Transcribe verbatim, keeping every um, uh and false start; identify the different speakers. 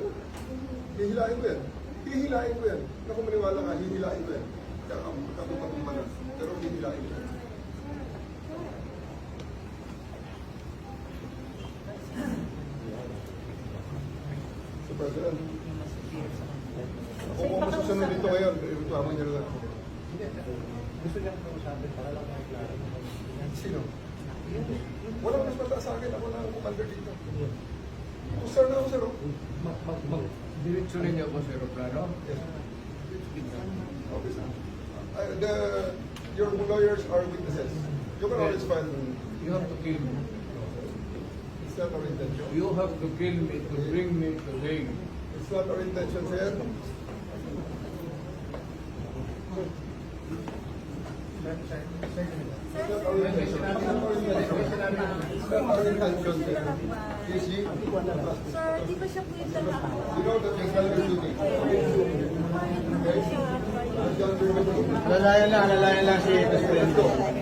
Speaker 1: Hihilain ko yan. Hihilain ko yan. Kung maniwala ka, hihilain ko yan. Kaya kabutan ko manas. Pero hihilain ko yan. So, President, kung kung masusunod dito ngayon, reklamo niya lang ako.
Speaker 2: Gusto niyang kausapin para lang maklaro.
Speaker 1: Sino? Walang mas mataas sa akin. Ako na ang commander dito. Sir na ako, sir. oh.
Speaker 2: Diretso rin niyo ako sa aeroplano.
Speaker 1: Yes. Okay, sir. Uh, the, your lawyers are witnesses. You can always file.
Speaker 2: You have to kill me.
Speaker 1: It's not our intention.
Speaker 2: You have to kill me to bring me to Hague.
Speaker 1: It's not our intention, sir. It's not our intention. It's not our intention. It's not our intention, sir. Is he?
Speaker 3: Sir, di ba siya po yung lalaki?
Speaker 1: You know that you're selling duty. Okay?
Speaker 3: Siya,
Speaker 1: John, you're with me.
Speaker 4: Lalayan lang, lalayan lang si Presidente.